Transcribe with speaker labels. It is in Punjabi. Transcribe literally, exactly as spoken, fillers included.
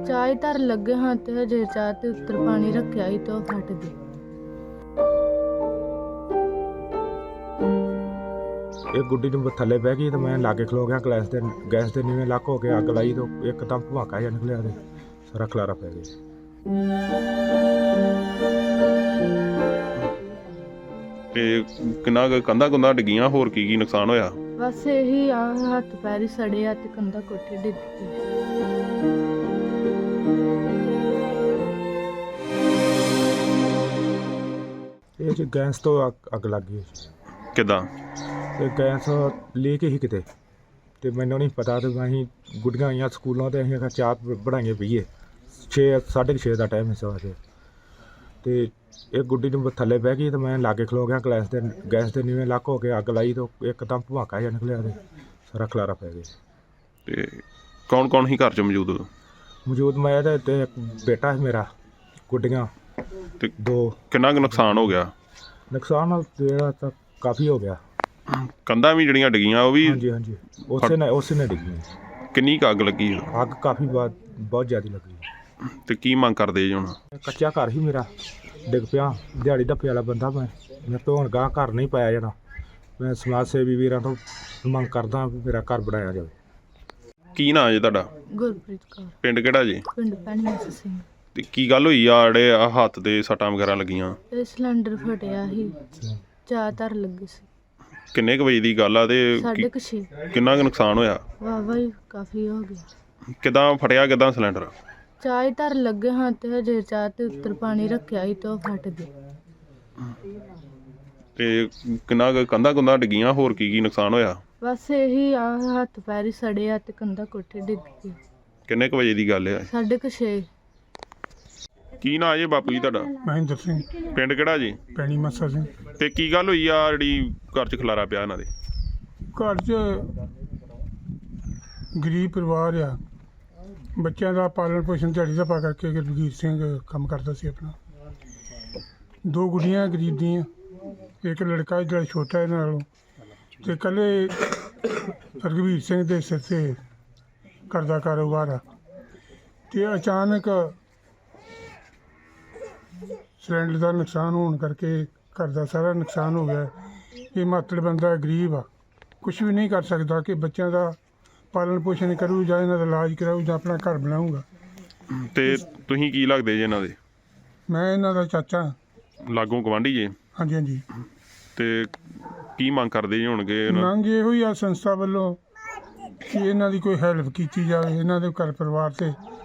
Speaker 1: ਚਾਹ ਧਰ ਲੱਗੇ ਹਾਂ ਤੇ ਹਜੇ ਚਾਹ ਤੇ ਉੱਤਰ ਪਾਣੀ ਰੱਖਿਆ ਸੀ ਤੇ ਉਹ ਫਟ ਗਈ।
Speaker 2: ਇਹ ਗੁੱਡੀ ਨੂੰ ਥੱਲੇ ਬਹਿ ਗਈ ਤੇ ਮੈਂ ਲਾਗੇ ਖਲੋ ਗਿਆ। ਗੈਸ ਦੇ ਗੈਸ ਦੇ ਨੀਵੇਂ ਲੱਕ ਹੋ ਕੇ ਅੱਗ ਲਾਈ ਤੇ ਇੱਕਦਮ ਧਮਾਕਾ ਜਿਹਾ ਨਿਕਲਿਆ ਤੇ ਸਾਰਾ ਖਲਾਰਾ ਪੈ ਗਿਆ।
Speaker 3: ਤੇ ਕਿੰਨਾ ਕੁ ਕੰਧਾਂ ਕੁੰਧਾਂ ਡਿੱਗੀਆਂ, ਹੋਰ ਕੀ ਕੀ ਨੁਕਸਾਨ ਹੋਇਆ?
Speaker 1: ਬਸ ਇਹੀ ਆ, ਹੱਥ ਪੈਰ ਹੀ ਸੜੇ ਆ ਤੇ ਕੰਧਾ ਕੋਠੇ ਡਿੱਗ ਗਈ।
Speaker 2: ਇਹ ਜੀ ਗੈਸ ਤੋਂ ਅੱਗ- ਅੱਗ ਲੱਗ ਗਈ।
Speaker 3: ਕਿੱਦਾਂ?
Speaker 2: ਤੇ ਗੈਸ ਲੀਕ ਹੀ ਕਿਤੇ ਤੇ ਮੈਨੂੰ ਨਹੀਂ ਪਤਾ ਤੇ ਅਸੀਂ ਗੁੱਡੀਆਂ ਆਈਆਂ ਸਕੂਲੋਂ ਤੇ ਅਸੀਂ ਆਖਿਆ ਚਾਹ ਬਣਾਈਏ ਪੀਏ। ਛੇ ਸਾਢੇ ਕੁ ਛੇ ਦਾ ਟਾਈਮ ਸੀ ਸਵੇਰ ਦੇ ਤੇ ਇਹ ਗੁੱਡੀ ਨੂੰ ਥੱਲੇ ਬਹਿ ਗਈ ਤੇ ਮੈਂ ਲਾਗੇ ਖਲੋ ਗਿਆ। ਗੈਸ ਦੇ ਗੈਸ ਦੇ ਨੀਵੇਂ ਲੱਕ ਹੋ ਕੇ ਅੱਗ ਲਾਈ ਤੇ ਇੱਕਦਮ ਧਮਾਕਾ ਜਿਹਾ ਨਿਕਲਿਆ ਤੇ ਸਾਰਾ ਖਲਾਰਾ ਪੈ ਗਿਆ।
Speaker 3: ਤੇ ਕੌਣ ਕੌਣ ਸੀ ਘਰ 'ਚ ਮੌਜੂਦ?
Speaker 2: ਮੌਜੂਦ ਮੈਂ ਤੇ ਤੇ ਇੱਕ ਬੇਟਾ ਹੈ ਮੇਰਾ, ਗੁੱਡੀਆਂ
Speaker 3: ਤੇ
Speaker 2: ਦੋ।
Speaker 3: ਕਿੰਨਾ ਕੁ ਨੁਕਸਾਨ ਹੋ ਗਿਆ?
Speaker 2: ਨੁਕਸਾਨ ਜਿਹੜਾ ਤਾਂ ਕਾਫੀ ਹੋ ਗਿਆ।
Speaker 3: ਕੰਧਾਂ ਵੀ ਜਿਹੜੀਆਂ ਡਿੱਗੀਆਂ ਉਹ ਵੀ?
Speaker 2: ਹਾਂਜੀ ਹਾਂਜੀ ਉਸੇ ਨੇ ਉਸੇ ਨੇ ਡਿੱਗੀ।
Speaker 3: ਕਿੰਨੀ ਕੁ ਅੱਗ ਲੱਗੀ?
Speaker 2: ਅੱਗ ਕਾਫੀ ਬਾਤ ਬਹੁਤ ਜ਼ਿਆਦਾ ਲੱਗੀ।
Speaker 3: ਤੇ ਕੀ ਮੰਗ ਕਰਦੇ ਜੀ ਹੁਣ?
Speaker 2: ਕੱਚਾ ਘਰ ਹੀ ਮੇਰਾ ਡਿੱਗ ਪਿਆ। ਦਿਹਾੜੀ ਧੱਪੇ ਵਾਲਾ ਬੰਦਾ ਮੈਂ ਮੈਂ ਤੋਂ ਹੁਣ ਗਾਂ ਘਰ ਨਹੀਂ ਪਾਇਆ ਜਾਣਾ। ਮੈਂ ਸਮਾਜ ਸੇਵੀ ਵੀਰਾਂ ਤੋਂ ਮੰਗ ਕਰਦਾ ਵੀ ਮੇਰਾ ਘਰ ਬਣਾਇਆ ਜਾਵੇ।
Speaker 3: ਕੀ ਨਾਂ ਜੀ ਤੁਹਾਡਾ?
Speaker 1: ਗੁਰਪ੍ਰੀਤ ਕੌਰ,
Speaker 3: ਪਿੰਡ ਕਿਹੜਾ ਜੀ?
Speaker 1: ਪਿੰਡ ਪੈਣੀ ਸਿੰਘ।
Speaker 3: ਤੇ ਕੀ ਗੱਲ ਹੋਈ ਆ ਜਿਹੜੇ ਆ ਹੱਥ ਤੇ ਸੱਟਾਂ ਵਗੈਰਾ ਲੱਗੀਆਂ?
Speaker 1: ਇਹ ਸਿਲੰਡਰ ਫਟਿਆ ਸੀ, ਚਾਹ ਧਰ ਲੱਗੀ ਸੀ।
Speaker 3: ਕਿੰਨੇ ਕੁ ਵਜੇ ਦੀ ਗੱਲ ਆ ਤੇ
Speaker 1: ਸਾਢੇ
Speaker 3: ਕੀ-
Speaker 1: ਕੁ ਛੇ।
Speaker 3: ਕਿੰਨਾ ਕੁ ਨੁਕਸਾਨ ਹੋਇਆ?
Speaker 1: ਵਾਹਵਾ ਹੀ ਕਾਫੀ ਹੋ ਗਿਆ।
Speaker 3: ਕਿੱਦਾਂ ਫਟਿਆ, ਕਿੱਦਾਂ ਸਿਲੰਡਰ?
Speaker 1: ਚਾਹ ਧਰ ਲੱਗੇ ਹਾਂ ਤੇ ਹਜੇ ਚਾਹ ਤੇ ਉੱਤਰ ਪਾਣੀ ਰੱਖਿਆ ਸੀ ਤੇ ਉਹ ਫਟ ਗਈ।
Speaker 3: ਤੇ ਕਿੰਨਾ ਕੁ ਕੰਧਾਂ ਕੁੰਧਾਂ ਡਿੱਗੀਆਂ, ਹੋਰ ਕੀ ਕੀ ਨੁਕਸਾਨ ਹੋਇਆ?
Speaker 1: ਬਸ ਇਹੀ ਆ, ਹੱਥ ਪੈਰ ਹੀ ਸੜੇ ਆ ਤੇ ਕੰਧਾ ਕੋਠੇ ਡਿੱਗ ਗਈ।
Speaker 3: ਕਿੰਨੇ ਕੁ ਵਜੇ ਦੀ ਗੱਲ ਆ?
Speaker 1: ਸਾਢੇ ਕੁ ਛੇ।
Speaker 3: ਕੀ ਨਾਂ ਜੀ ਬਾਪੂ ਜੀ ਤੁਹਾਡਾ?
Speaker 4: ਮਹਿੰਦਰ ਸਿੰਘ,
Speaker 3: ਪਿੰਡ ਕਿਹੜਾ ਜੀ?
Speaker 4: ਪੈਣੀ ਮੱਸਾ ਸਿੰਘ।
Speaker 3: ਤੇ ਕੀ ਗੱਲ ਹੋਈ ਆ ਜਿਹੜੀ ਘਰ 'ਚ ਖਲਾਰਾ ਪਿਆ ਇਹਨਾਂ ਦੇ?
Speaker 4: ਘਰ 'ਚ ਗਰੀਬ ਪਰਿਵਾਰ ਆ, ਬੱਚਿਆਂ ਦਾ ਪਾਲਣ ਪੋਸ਼ਣ ਦਿਹਾੜੀ ਦਾ ਪਾ ਕਰਕੇ ਗੁਰਵੀਰ ਸਿੰਘ ਕੰਮ ਕਰਦਾ ਸੀ ਆਪਣਾ। ਦੋ ਗੁੱਡੀਆਂ ਗਰੀਬ ਦੀਆਂ, ਇੱਕ ਲੜਕਾ ਜਿਹੜਾ ਛੋਟਾ ਇਹਨਾਂ ਨਾਲੋਂ, ਤੇ ਇਕੱਲੇ ਰਘਵੀਰ ਸਿੰਘ ਦੇ ਸਿਰ 'ਤੇ ਘਰ ਦਾ ਕਾਰੋਬਾਰ ਆ। ਤੇ ਅਚਾਨਕ ਸਿਲੰਡਰ ਦਾ ਨੁਕਸਾਨ ਹੋਣ ਕਰਕੇ ਘਰ ਦਾ ਸਾਰਾ ਨੁਕਸਾਨ ਹੋ ਗਿਆ। ਇਹ ਮਾਤੜ ਬੰਦਾ ਗਰੀਬ ਆ, ਕੁਛ ਵੀ ਨਹੀਂ ਕਰ ਸਕਦਾ ਕਿ ਬੱਚਿਆਂ ਦਾ ਪਾਲਣ ਪੋਸ਼ਣ ਕਰੂ ਜਾਂ ਇਹਨਾਂ ਦਾ ਇਲਾਜ ਕਰਾਊ ਜਾਂ ਆਪਣਾ ਘਰ ਬਣਾਊਗਾ।
Speaker 3: ਤੇ ਤੁਸੀਂ ਕੀ ਲੱਗਦੇ ਜੀ ਇਹਨਾਂ ਦੇ?
Speaker 4: ਮੈਂ ਇਹਨਾਂ ਦਾ ਚਾਚਾ ਹਾਂ।
Speaker 3: ਲਾਗੋਂ ਗਵਾਂਢੀ ਜੇ?
Speaker 4: ਹਾਂਜੀ ਹਾਂਜੀ।
Speaker 3: ਤੇ ਕੀ ਮੰਗ ਕਰਦੇ ਜੀ ਹੋਣਗੇ ਇਹਨਾਂ?
Speaker 4: ਮੰਗ ਇਹੋ ਹੀ ਆ ਸੰਸਥਾ ਵੱਲੋਂ ਕਿ ਇਹਨਾਂ ਦੀ ਕੋਈ ਹੈਲਪ ਕੀਤੀ ਜਾਵੇ, ਇਹਨਾਂ ਦੇ ਘਰ ਪਰਿਵਾਰ 'ਤੇ